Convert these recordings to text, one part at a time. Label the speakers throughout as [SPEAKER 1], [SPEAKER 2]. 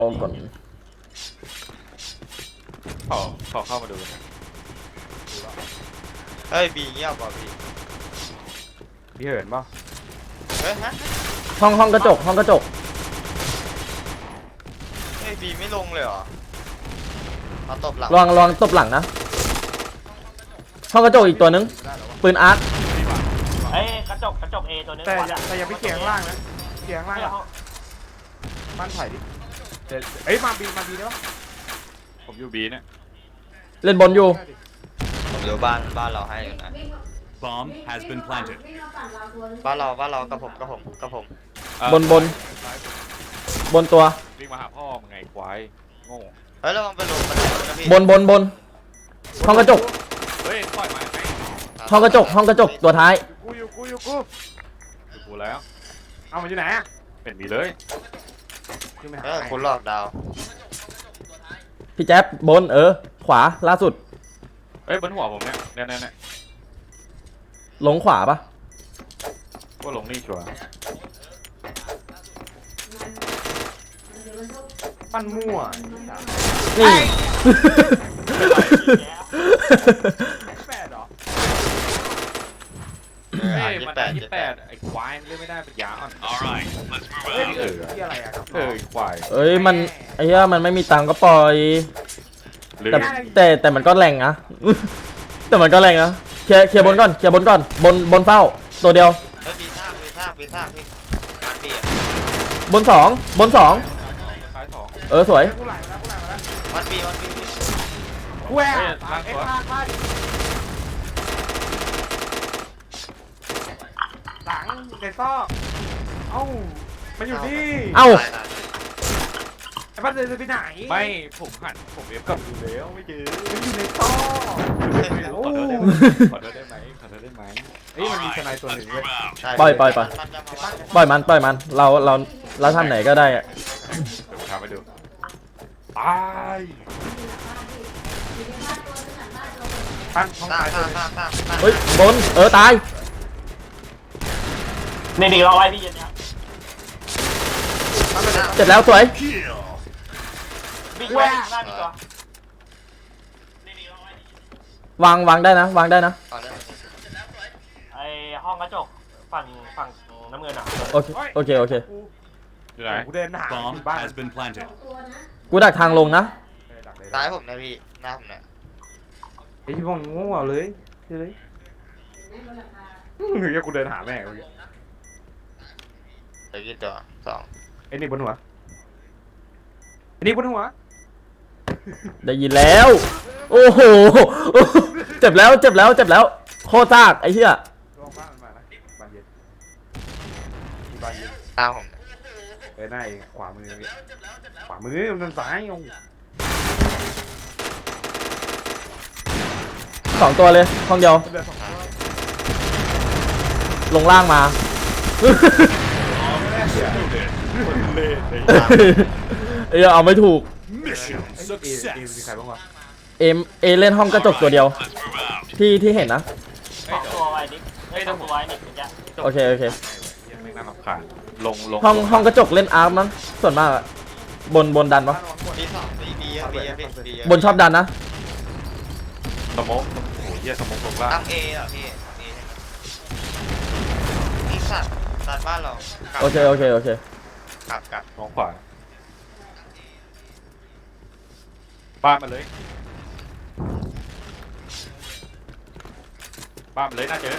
[SPEAKER 1] โอ้ก่อน
[SPEAKER 2] ขอเข้ามาดู
[SPEAKER 3] เฮ้ยบีเงียบป่ะบี
[SPEAKER 2] พี่เหินป่ะ
[SPEAKER 3] เฮ้ยฮะ
[SPEAKER 1] ห้องกระจก
[SPEAKER 3] เฮ้ยบีไม่ลงเลยเหรอมาตบหลัง
[SPEAKER 1] ลองตบหลังนะห้องกระจกอีกตัวนึงปืนอาร์ต
[SPEAKER 4] เอ้ยกระจกเอตัวนึง
[SPEAKER 5] แต่ยังไม่เกี่ยงล่างนะเกี่ยงล่างบ้านไผ่ดิเอ้ยมาบีได้ปะ
[SPEAKER 2] ผมอยู่บีเนี่ย
[SPEAKER 1] เล่นบนอยู่
[SPEAKER 3] ผมอยู่บ้านเราให้อยู่นะ
[SPEAKER 6] Bomb has been planted.
[SPEAKER 3] บ้านเรากับผม
[SPEAKER 1] บนตัว
[SPEAKER 2] วิ่งมาหาพ่อมึงไงควายโง่
[SPEAKER 3] เฮ้ยระวังไปลงบันไดนะพี่
[SPEAKER 1] บนห้องกระจก
[SPEAKER 2] เฮ้ยปล่อยมาไง
[SPEAKER 1] ห้องกระจกตัวท้าย
[SPEAKER 5] อยู่กู
[SPEAKER 2] อยู่กูแล้ว
[SPEAKER 5] เอามันอยู่ไหนอะ
[SPEAKER 2] เป็นบีเลย
[SPEAKER 3] คุณหลอกดาว
[SPEAKER 1] พี่แจ๊บบนขวาล่าสุด
[SPEAKER 2] เฮ้ยบนหัวผมเนี่ย
[SPEAKER 1] ลงขวาปะ
[SPEAKER 2] ก็ลงนี่ชัวร์
[SPEAKER 5] ปั้นมั่ว
[SPEAKER 1] นี่
[SPEAKER 5] แปดหรอ
[SPEAKER 2] เฮ้ยมันได้28ไอ้ควายเล่นไม่ได้เป็นยาอ่อน
[SPEAKER 6] Alright, let's
[SPEAKER 5] เฮ้ย
[SPEAKER 6] move out.
[SPEAKER 5] ที่อะไรอะครับ
[SPEAKER 2] ควาย
[SPEAKER 1] เอ้ยมันไอ้เหี้ยมันไม่มีตังค์ก็ปล่อยแต่มันก็แรงนะแต่มันก็แรงนะเคลียร์บนก่อนบนเฝ้าตัวเดียว
[SPEAKER 3] เฮ้ยบีท่าพี่งานบีอ่ะ
[SPEAKER 1] บนสอง
[SPEAKER 2] ซ้าย2
[SPEAKER 1] สวย
[SPEAKER 5] กูไหลมาแล้ว
[SPEAKER 3] วันบี
[SPEAKER 5] กูแหวกไอ้ข้างบ้านหลังในซอกเอ้ามันอยู่นี่ไอ้บ้านเดินไปไหน
[SPEAKER 2] ไม่ผมหันผมเอฟกลับดูแล้วไม่เจอ
[SPEAKER 5] มันอยู่ในซอกโอ้
[SPEAKER 2] ขอโทษได้ไหม
[SPEAKER 5] เฮ้ยมันมีทนายตัวหนึ่งเว้ย
[SPEAKER 1] ปล่อยมันเราทำไหนก็ได้อะ
[SPEAKER 2] ผมทำให้ดู
[SPEAKER 5] ตายปั้นท้องตายเลย
[SPEAKER 1] เฮ้ยบนตาย
[SPEAKER 4] นี่ดีเราไว้พี่เย็นนะ
[SPEAKER 1] เสร็จแล้วสวย
[SPEAKER 4] บิ๊กแวร์หน้ามีตัว
[SPEAKER 1] วางได้นะ
[SPEAKER 4] ไอห้องกระจกฝั่งน้ำเงินอ่ะ
[SPEAKER 1] โอเค
[SPEAKER 2] อยู่ไหน
[SPEAKER 5] กูเดินหา
[SPEAKER 6] Bomb
[SPEAKER 5] บ้าน
[SPEAKER 6] has been planted.
[SPEAKER 1] กูดักทางลงนะ
[SPEAKER 3] ซ้ายผมนะพี่หน้าผมเนี่ย
[SPEAKER 5] ไอ้ที่พวกงูเอาเลยเฮ้ยกูเดินหาแม่กู
[SPEAKER 3] เดี๋ยวกี่ตัว2
[SPEAKER 5] ไอ้นี่บนหัวไอ้นี่บนหัว
[SPEAKER 1] ได้ยินแล้วโอ้โหเจ็บแล้วโคตรซากไอ้เหี้ย
[SPEAKER 5] ลองบ้านมานะบ้านเย็นบ้านเย็น
[SPEAKER 3] ตามผม
[SPEAKER 5] หน้าเองขวามือมันซ้ายโอ้
[SPEAKER 1] 2ตัวเลยห้องเดียวลงล่างมาเอาไม่ถูก
[SPEAKER 6] Mission
[SPEAKER 5] มีใครบ้างวะ
[SPEAKER 1] เล่นห้องกระจกตัวเดียวที่เห็นนะ
[SPEAKER 4] ตัวไว้นิดตัวไว้นิดเป็นยัง
[SPEAKER 1] โอเค
[SPEAKER 2] ไม่น่ารำคาญลง
[SPEAKER 1] ห้องกระจกเล่นอาร์มมั้งส่วนมากบนดันปะ
[SPEAKER 3] บีบี
[SPEAKER 1] บนชอบดันนะ
[SPEAKER 2] สมองโอ้ยเหี้ยสมองลงล่าง
[SPEAKER 3] ตั้งเออ่ะพี่นี่สัตว์บ้านเรา
[SPEAKER 1] โอเค
[SPEAKER 3] กลับ
[SPEAKER 2] มองขวาบ้านมาเลยน่าเจอ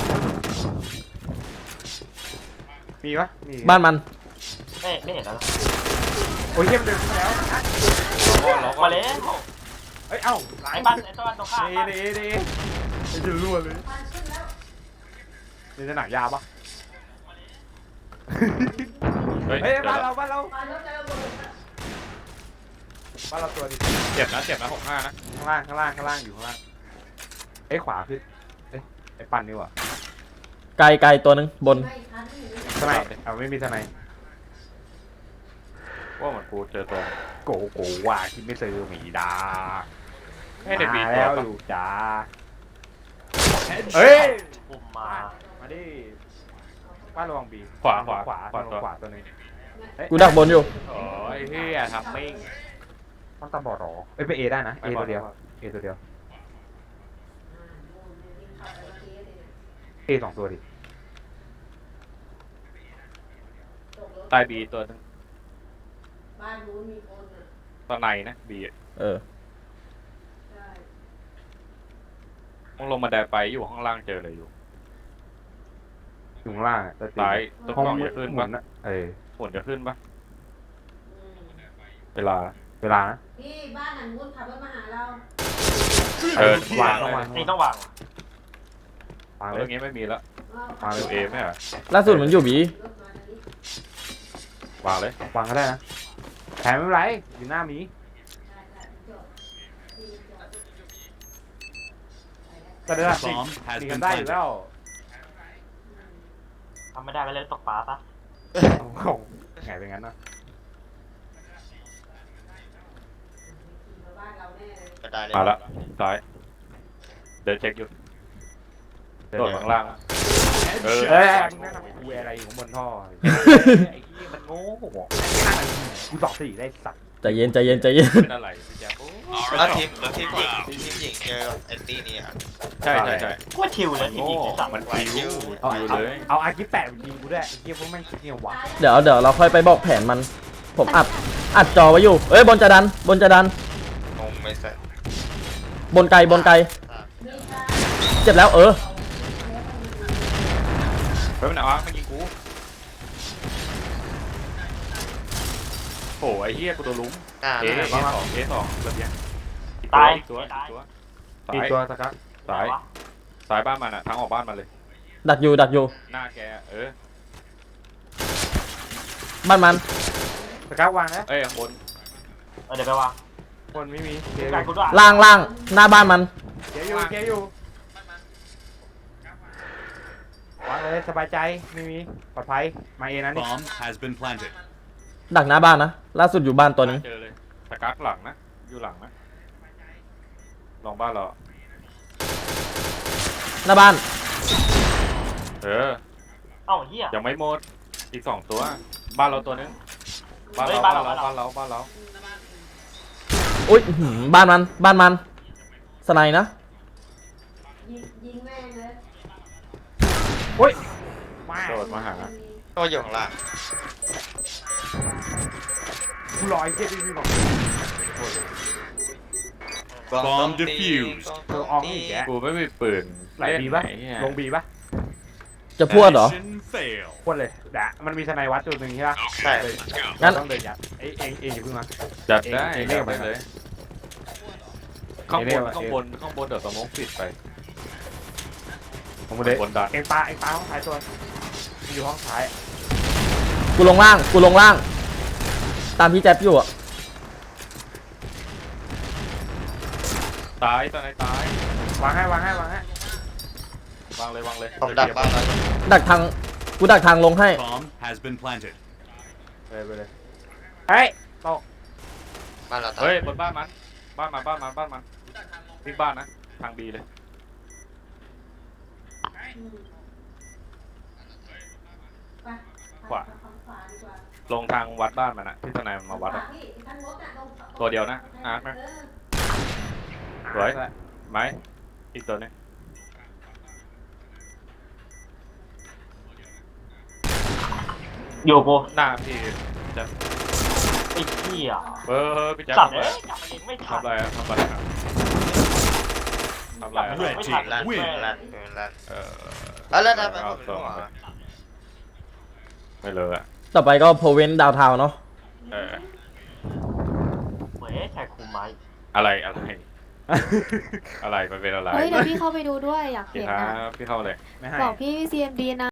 [SPEAKER 5] มีปะมี
[SPEAKER 1] บ้านมัน
[SPEAKER 4] ไม่เห็นแล้ว
[SPEAKER 5] โอ้ยเยี่ยมเดินแล้ว
[SPEAKER 4] มาเลย
[SPEAKER 5] เฮ้ยเอ้า
[SPEAKER 4] ไอ้บ้านตรงข้าม
[SPEAKER 5] เดจะรั่วเลยนี่จะหนักยาปะเฮ้ยบ้านเราตัวดิ
[SPEAKER 2] เจ็บนะ65นะ
[SPEAKER 5] ข้างล่างอยู่ข้างล่างเอ้ยขวาขึ้นไอ้ปั่นนี่วะ
[SPEAKER 1] ไกลตัวนึงบน
[SPEAKER 5] ทนายไม่มีทนาย
[SPEAKER 2] ว่าเหมือนกูเจอตัว
[SPEAKER 5] โกว่าคิดไม่ซื้อหมีดา
[SPEAKER 2] ให้เด็กบี
[SPEAKER 5] แล้วอยู่จ้าเฮ้ย
[SPEAKER 4] ปุ่มมา
[SPEAKER 5] ดิบ้านระวังบี
[SPEAKER 2] ขวา
[SPEAKER 5] ตัวนึง
[SPEAKER 1] กูดักบนอยู่
[SPEAKER 2] โอ้ยเฮียทำมิ่ง
[SPEAKER 5] ต้องตาบอดหรอเอ้ยไปเอได้นะเอตัวเดียวเอตัวเดียวเอสองตัวดิ
[SPEAKER 2] ใต้บีตัวนึง
[SPEAKER 7] บ้านนู้นมีคนอ่ะ
[SPEAKER 2] ตัวในนะบี
[SPEAKER 1] เออ
[SPEAKER 7] ใช่
[SPEAKER 2] มึงลงมาไดไปอยู่ข้างล่างเจอเลยอยู่
[SPEAKER 5] อยู่ข้างล่างอะ
[SPEAKER 2] ซ้ายตัว
[SPEAKER 5] ห้อง
[SPEAKER 2] กล้อง
[SPEAKER 5] มื
[SPEAKER 2] จะ
[SPEAKER 5] ด
[SPEAKER 2] ขึ้น
[SPEAKER 5] หมุ
[SPEAKER 2] ปะ
[SPEAKER 5] นอะ
[SPEAKER 2] ฝนจะขึ้นปะ
[SPEAKER 7] อืม
[SPEAKER 2] เวลา
[SPEAKER 5] เวลานะ
[SPEAKER 7] พี่บ้านหลังนู้นขับรถมาหาเรา
[SPEAKER 2] เออ
[SPEAKER 5] วาง
[SPEAKER 2] เล
[SPEAKER 5] ต้องวาง
[SPEAKER 4] นี่ต้องวาง
[SPEAKER 5] วางเล
[SPEAKER 2] เรื่อย งนี้ไม่มีแล้ว
[SPEAKER 7] เอา
[SPEAKER 5] วางเล
[SPEAKER 2] ดู
[SPEAKER 5] ย
[SPEAKER 2] เอไหมอ่ะ
[SPEAKER 1] ล่าสุดมันอยู่บี
[SPEAKER 7] รถมาทางนี้
[SPEAKER 2] วางเลย
[SPEAKER 5] วางก็ได้นะแถมไม่เป็นไรอยู่หน้ามี
[SPEAKER 7] ใช่ใช่จอดพี่จอด
[SPEAKER 5] ก็ได้ละ
[SPEAKER 6] Bomb
[SPEAKER 5] มี
[SPEAKER 6] has
[SPEAKER 5] กั
[SPEAKER 6] been
[SPEAKER 5] นได้อยู่
[SPEAKER 6] planted.
[SPEAKER 5] แล้ว
[SPEAKER 4] ทำไม่ได้ก็เลยตกปลาซะ
[SPEAKER 5] โอ้โหไงเป็นงั้นนะ
[SPEAKER 7] ขี่มาบ้านเราแน่เลย
[SPEAKER 3] กระจายเลย
[SPEAKER 2] มาละซ้ายเดินเช็คอยู่โดดข้างล่างเออ
[SPEAKER 5] เอ้ยมึงแนะนำกูอะไรอยู่ข้างบนท่อไอ้ที่มันโง่กูตอบสี่ได้สัตว์
[SPEAKER 1] ใจเย็นใจเย็นใจเย็น
[SPEAKER 2] เป็นอะไรพี่แจ๊คโอ้
[SPEAKER 3] แล้วทีมหญิงเจอไอ้ตี้นี่อ่ะ
[SPEAKER 2] ใช่ใช่ใช่
[SPEAKER 4] กูว่าชิวเลยที
[SPEAKER 2] โง่
[SPEAKER 4] นี้ที่สั่ง
[SPEAKER 2] มันคิว
[SPEAKER 5] เอา
[SPEAKER 2] คิว
[SPEAKER 5] เอา
[SPEAKER 2] เลย
[SPEAKER 5] เอาอาร์กิแปะไปยิงกูด้วยไอ้เหี้ยพวกแม่งคิดเนี่ยวะ
[SPEAKER 1] เดี๋ยวเราค่อยไปบอกแผนมัน ผมอัดจอไว้อยู่ เอ้ยบนจะดัน บนจะดัน
[SPEAKER 3] งงไม่ใส่
[SPEAKER 1] บนไกลบนไกล
[SPEAKER 7] มีตา
[SPEAKER 1] เจ็บแล้วเออ
[SPEAKER 2] เฮ้ยมันเอามายิงกูโอ้ไอ้เหี้ยกูโดนลุ้ม เอสองเอสองระเบียงอีก
[SPEAKER 4] ตาย
[SPEAKER 2] ตัว
[SPEAKER 4] ตาย
[SPEAKER 2] อีกตัว
[SPEAKER 5] อีกตัวสกัด
[SPEAKER 2] ซ้ายซ้ายบ้านมันอ่ะทางออกบ้านมันเลย
[SPEAKER 1] ดักอยู่ดักอยู่
[SPEAKER 2] หน้าแกเออ
[SPEAKER 1] บ้านมัน
[SPEAKER 5] สกัดวางนะ
[SPEAKER 2] เอ้ยข้างบน
[SPEAKER 4] เดี๋ยวไปวาง
[SPEAKER 5] คนไม่มีเกีย
[SPEAKER 4] การกูด้วย
[SPEAKER 1] ล่างหน้าบ้านมัน
[SPEAKER 5] อยู่วางเลยสบายใจไม่มีปลอดภัยมาเองนะนี่
[SPEAKER 6] Bomb has been planted.
[SPEAKER 1] ดักหน้าบ้านนะ ล่าสุดอยู่บ้านตัวนึง
[SPEAKER 2] เจอเลยสกักหลังนะอยู่หลังนะลองบ้านเรา
[SPEAKER 1] หน้าบ้าน
[SPEAKER 2] เออ
[SPEAKER 4] เอ้าเหี้ย
[SPEAKER 2] ยังไม่หมดอีกสองตัว บ้านเราตัวนึงบ้าน
[SPEAKER 4] เฮ้
[SPEAKER 2] เรา
[SPEAKER 4] ย
[SPEAKER 2] บ้าน
[SPEAKER 4] บ้าน
[SPEAKER 2] เรา
[SPEAKER 4] เรา
[SPEAKER 2] บ้านเราบ้านเรา
[SPEAKER 1] อุ้ยอื้อหือบ้านมันสไนด์นะ
[SPEAKER 7] ยิงแม่งเลย
[SPEAKER 5] มา
[SPEAKER 2] โดดมาหา
[SPEAKER 3] ก็อยู่ข้างล่าง
[SPEAKER 5] กูรอไอ้เกียร์ดีๆบอก
[SPEAKER 6] Bomb defused
[SPEAKER 5] เธอออกอีกแก
[SPEAKER 2] กูไม่มีปืน
[SPEAKER 5] ไหลบีปะ
[SPEAKER 2] เล่นไหนเนี่ย
[SPEAKER 5] ลงบีปะ
[SPEAKER 1] จะพวดเหรอ
[SPEAKER 6] Mission fail.
[SPEAKER 5] พ่นเลยด่ามันมีสไนวัดจุดหนึ่งใช่ปะ
[SPEAKER 3] ใช่
[SPEAKER 1] งั้น
[SPEAKER 5] ต้องเดินยัดเองอย่าเพิ่งมา
[SPEAKER 2] จัดได้
[SPEAKER 5] เอง
[SPEAKER 2] จัด
[SPEAKER 5] เรี
[SPEAKER 2] ได้
[SPEAKER 5] ยกมา
[SPEAKER 2] เลยข้างบ
[SPEAKER 5] เรีย
[SPEAKER 2] น
[SPEAKER 5] กมา
[SPEAKER 2] ข้างบนข้างบนเดี๋ยวสมองปิดไป
[SPEAKER 5] ผมเลย
[SPEAKER 2] บนดัน
[SPEAKER 5] เองปลาห้องท้ายตัวมันอยู่ห้องท้าย
[SPEAKER 1] กูลงล่าง ตามพี่แจ๊บอยู่อะ
[SPEAKER 2] ตายตอนไหนตายว
[SPEAKER 5] างให้
[SPEAKER 2] วางเลยวางเลย
[SPEAKER 3] ผมดักบ้านแล้ว
[SPEAKER 1] กูดักทางลงให้
[SPEAKER 6] Bomb has been planted.
[SPEAKER 5] ไปเลยเฮ้ยตก
[SPEAKER 3] บ้านเราตาย
[SPEAKER 2] เฮ้ยบนบ้านมันวิ่งบ้านนะทางบีเลย
[SPEAKER 7] อืมไป
[SPEAKER 2] ขวา
[SPEAKER 7] ทางขวาดีกว่า
[SPEAKER 2] ลงทางวัดบ้านมันอะที่ทนายมันมาวัดอะ
[SPEAKER 7] พี่ทางรถน่ะตรง
[SPEAKER 2] ตัวเดียวนะอาร์ตไหม
[SPEAKER 7] เออ
[SPEAKER 2] สวยไหมอีกตัวนึง
[SPEAKER 4] อยู่กู
[SPEAKER 2] หน้าพี่จะ
[SPEAKER 4] ไอ้เหี้ย
[SPEAKER 2] พี่แจ๊ค
[SPEAKER 4] สัตว์
[SPEAKER 2] ทำอะไร
[SPEAKER 4] เอ้ยจับมันเองไม่ทัน
[SPEAKER 2] ทำอะไรอะทำอะไรอะทำอะไรอะ
[SPEAKER 6] Red team
[SPEAKER 3] ลั่น
[SPEAKER 6] win.
[SPEAKER 3] ลั่น
[SPEAKER 2] เออ
[SPEAKER 3] แล้วทำไมผมไม่รู้อ่ะ
[SPEAKER 2] ไม่เลยอะ
[SPEAKER 1] ต่อไปก็โพเวนดาวทาวเนาะ
[SPEAKER 2] เออ
[SPEAKER 4] เว้ยชายคุมไม้
[SPEAKER 2] อะไรมันเป็นอะไร
[SPEAKER 8] เฮ้ยเดี๋ยวพี่เข้าไปดูด้วยอยาก
[SPEAKER 2] พี่
[SPEAKER 8] เห็น
[SPEAKER 2] ครั
[SPEAKER 8] นะ
[SPEAKER 2] บพี่เข้าเลย
[SPEAKER 5] ไม่ให้
[SPEAKER 8] บอกพี่ CMD นะ